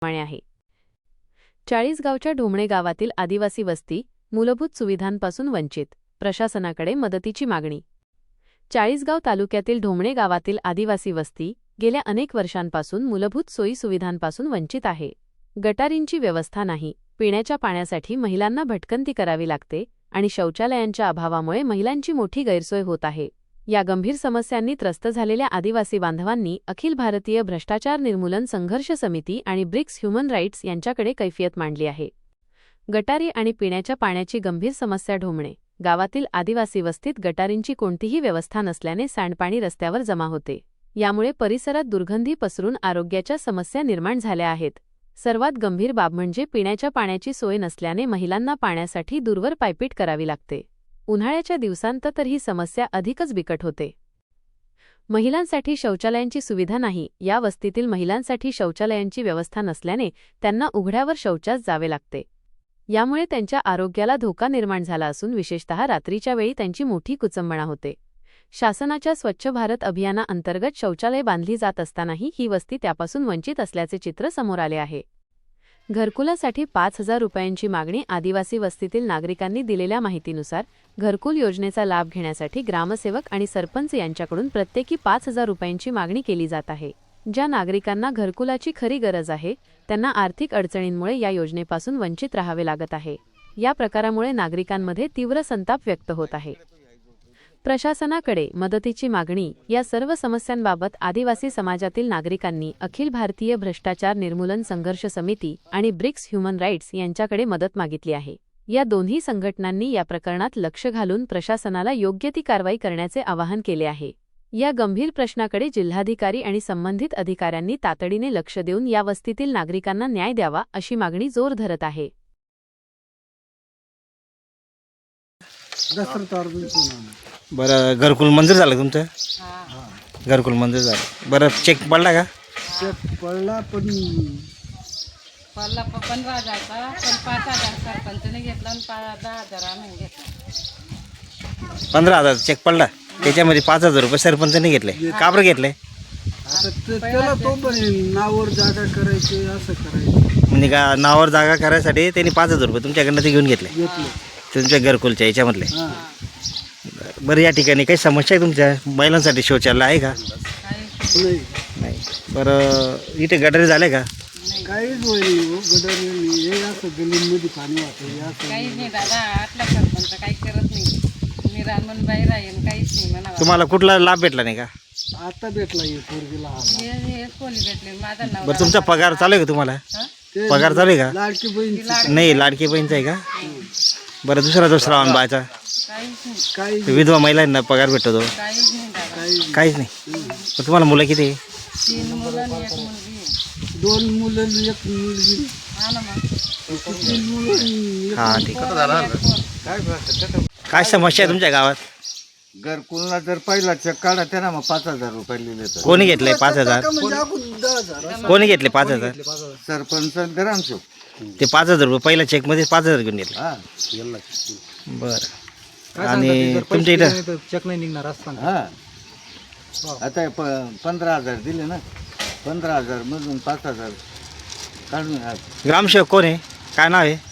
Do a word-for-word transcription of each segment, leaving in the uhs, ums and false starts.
प्रमाणे आहे. चाळीसगावच्या ढोमणे गावातील आदिवासी वस्ती मूलभूत सुविधांपासून वंचित, प्रशासनाकडे मदतीची मागणी. चाळीसगाव तालुक्यातील ढोमणे गावातील आदिवासी वस्ती गेल्या अनेक वर्षांपासून मूलभूत सोयी सुविधांपासून वंचित आहे. गटारींची व्यवस्था नाही, पिण्याच्या पाण्यासाठी महिलांना भटकंती करावी लागते आणि शौचालयांच्या अभावामुळे महिलांची मोठी गैरसोय होत आहे. या गंभीर समस्यांनी त्रस्त झालेल्या आदिवासी बांधवांनी अखिल भारतीय भ्रष्टाचार निर्मूलन संघर्ष समिती आणि ब्रिक्स ह्युमन राईट्स यांच्याकडे कैफियत मांडली आहे. गटारी आणि पिण्याच्या पाण्याची गंभीर समस्या. ढोमणे गावातील आदिवासी वस्तीत गटारींची कोणतीही व्यवस्था नसल्याने सांडपाणी रस्त्यावर जमा होते. यामुळे परिसरात दुर्गंधी पसरून आरोग्याच्या समस्या निर्माण झाल्या आहेत. सर्वात गंभीर बाब म्हणजे पिण्याच्या पाण्याची सोय नसल्याने महिलांना पाण्यासाठी दूरवर पायपीट करावी लागते. उन्हाळ्याच्या दिवसांत तर ही समस्या अधिकच बिकट होते. महिलांसाठी शौचालयांची सुविधा नाही. या वस्तीतील महिलांसाठी शौचालयांची व्यवस्था नसल्याने त्यांना उघड्यावर शौचास जावे लागते. यामुळे त्यांच्या आरोग्याला धोका निर्माण झाला असून विशेषतः रात्रीच्या वेळी त्यांची मोठी कुचंबणा होते. शासनाच्या स्वच्छ भारत अभियानाअंतर्गत शौचालय बांधली जात असतानाही ही वस्ती त्यापासून वंचित असल्याचे चित्र समोर आले आहे. घरकुलासाठी पाच हजार रुपयांची मागणी. आदिवासी वस्तीतील नागरिकांनी दिलेल्या माहितीनुसार घरकुल योजनेचा लाभ घेण्यासाठी ग्रामसेवक आणि सरपंच यांच्याकडून प्रत्येकी पाच हजार रुपयांची मागणी केली जात आहे. ज्या नागरिकांना घरकुलाची खरी गरज आहे त्यांना आर्थिक अडचणींमुळे या योजनेपासून वंचित राहावे लागत आहे. या प्रकारामुळे नागरिकांमध्ये तीव्र संताप व्यक्त होत आहे. प्रशासनाकडे मदतीची मागणी. या सर्व समस्यांबाबत आदिवासी समाजातील नागरिकांनी अखिल भारतीय भ्रष्टाचार निर्मूलन संघर्ष समिती आणि ब्रिक्स ह्युमन राईट्स यांच्याकडे मदत मागितली आहे. या दोन्ही संघटनांनी या प्रकरणात लक्ष घालून प्रशासनाला योग्य ती कारवाई करण्याचे आवाहन केले आहे. या गंभीर प्रश्नाकडे जिल्हाधिकारी आणि संबंधित अधिकाऱ्यांनी तातडीने लक्ष देऊन या वस्तीतील नागरिकांना न्याय द्यावा अशी मागणी जोर धरत आहे. बरं, घरकुल मंजूर झालं तुमचं? घरकुल मंजूर झालं. बरं, चेक पडला का? चेक पडला पण पडला पंधरा हजारचा, पण पाच हजार सरपंचने घेतला आणि दहा हजार आम्ही घेतला. पंधरा हजार चेक पडला, त्याच्यामध्ये पाच हजार रुपये सरपंचाने घेतले. का बरं घेतले? आता ते- त्याला तो पण नावावर जागा करायची असं करायचं म्हणजे का नावावर जागा करायसाठी त्यांनी पाच हजार रुपये तुमच्याकडनं ते घेऊन घेतले घेतलं. तुमच्या घरकुलच्या याच्यामधले. हां बरं, या ठिकाणी काही समस्या आहे तुमच्या? महिलांसाठी शौचालय आहे का? नाही नाही. बरं, इथे गटारी झाले का? काहीच होय नाही हो. गडर हे असं गलीमध्ये पाणी वाहतं हे असं काहीच नाही दादा, आटला सरपंच काही करत नाही. मी रानमन बाहेर आहे आणि काहीच नाही म्हणा. तुम्हाला कुठला लाभ भेटला नाही का? आता भेटला हे पोरगीला आला. हे हे खोली भेटले माझा बरं, नवरा. तुमचा पगार चालू आहे का तुम्हाला? ते पगार चालू आहे का? लाडकी बहीण नाही, लाडकी बहीणचा आहे का? बरं, दुसरा दुसरा ऑन बायचा काहीच नाही, काही विधवा महिलांना पगार भेटतो? काहीच नाही दादा. काही काहीच नाही. मग तुम्हाला मुलं किती आहे? तीन मुलं आणि एक मुलगी आहे. दोन मुलं आणि एक मुलगी. हा ना मग. तीन मुलं आणि एक हा, ठीक आहे. एक पोर. काय समस्या आहे तुमच्या गावात? घरकुलला जर पहिला चेक काढा त्याला मग पाच हजार रुपये लिहिले तर कोणी घेतले पाच हजार? म्हणजे आपण दहा हजार कोणी घेतले पाच हजार? सरपंच आणि ग्रामसेवक. ते पाच हजार रुपये पहिल्या चेक मध्ये पाच हजार घेऊन घेतले. हा बरं, आणि तुमच्या इथं चेक नाही निघणार असताना हा आता हे प पंधरा हजार दिले ना, पंधरा हजार मधून पाच हजार काढून हा. ग्रामसेवक कोण आहे? काय नाव आहे?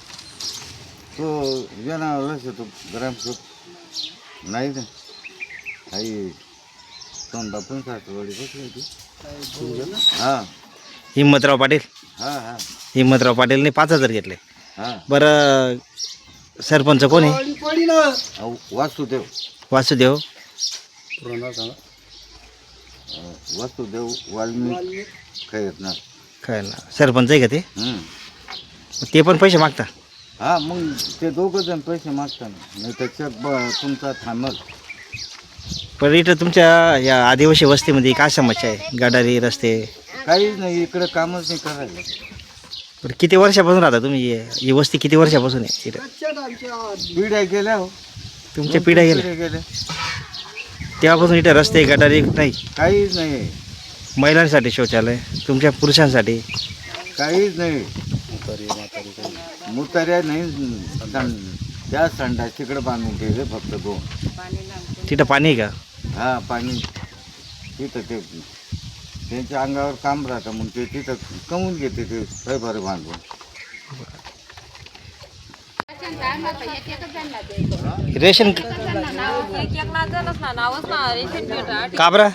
तो जनावरच येतो ग्रामसेवक नाही ना. आई तोंडा पण सासवडी बसली होती. हा हिम्मतराव पाटील. हा हा हिम्मतराव पाटीलने पाच हजार घेतले. हा बरं, सरपंच कोण आहे? पडी ना अहो, वासुदेव वासुदेव. अं, वासुदेव वाल्मिक खैरनार. काय ना, सरपंच आहे का ते? हम्म. ते पण पैसे मागता? हा मग ते दोघं जण पैसे मागताना नाही तर चेक ब तुमचा थांबल. पण इथं तुमच्या या आदिवासी वस्तीमध्ये काय समस्या आहे? गटारी, रस्ते? काहीच नाही, इकडे कामच नाही करायला. बरं, किती वर्षापासून राहता तुम्ही? ही वस्ती किती वर्षापासून आहे इथं? पिढ्या गेल्या हो, तुमच्या पिढ्या गेल्या पिढ्या गेल्या, तेव्हापासून इथे रस्ते, गटारी नाही? काहीच नाही, महिलांसाठी शौचालय, तुमच्या पुरुषांसाठी? काहीच नाही. मुतार्या नाही. सं- त्या संडा तिकडे बांधून ठेवले फक्त दोन. पाणी लागतं. तिथं पाणी आहे का? हा पाणी तिथं ते त्यांच्या अंगावर काम राहतं मग ते तिथं कमवून घेते ते पैपारे बांधून. रेशन का बरं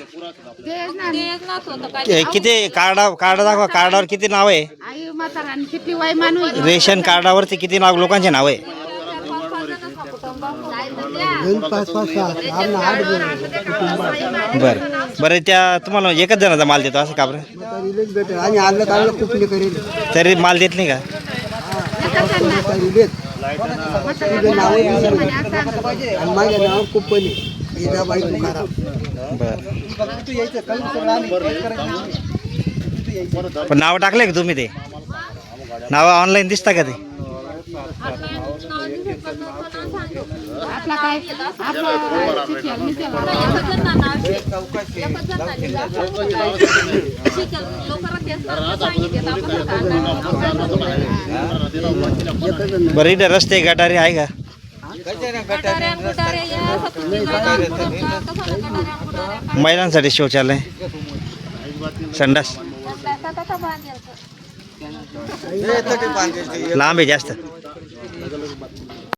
ते किती कार्डा कार्ड दाखवा, कार्डावर किती नाव आहे? रेशन कार्डावरती किती नाव लोकांचे नाव आहे? पाच पाच सहा आम्हाला आठ जण बरं बरं त्या तुम्हाला एकच जणाचा माल देतो असं का बरं? रिलेट भेटेल आणि आलं काढलं कुठले करेल तरी माल देत नाही का? रिलेट तुझं नाव आणि माझ्या नाव कुपली इदाबाई तुकाराम. बरं पण नाव टाकले का तुम्ही? ते नाव ऑनलाईन दिसता का ते? आपला काय बरं इथं रस्ते गटारी आहे का? महिलांसाठी शौचालय, संडास लांब आहे जास्त.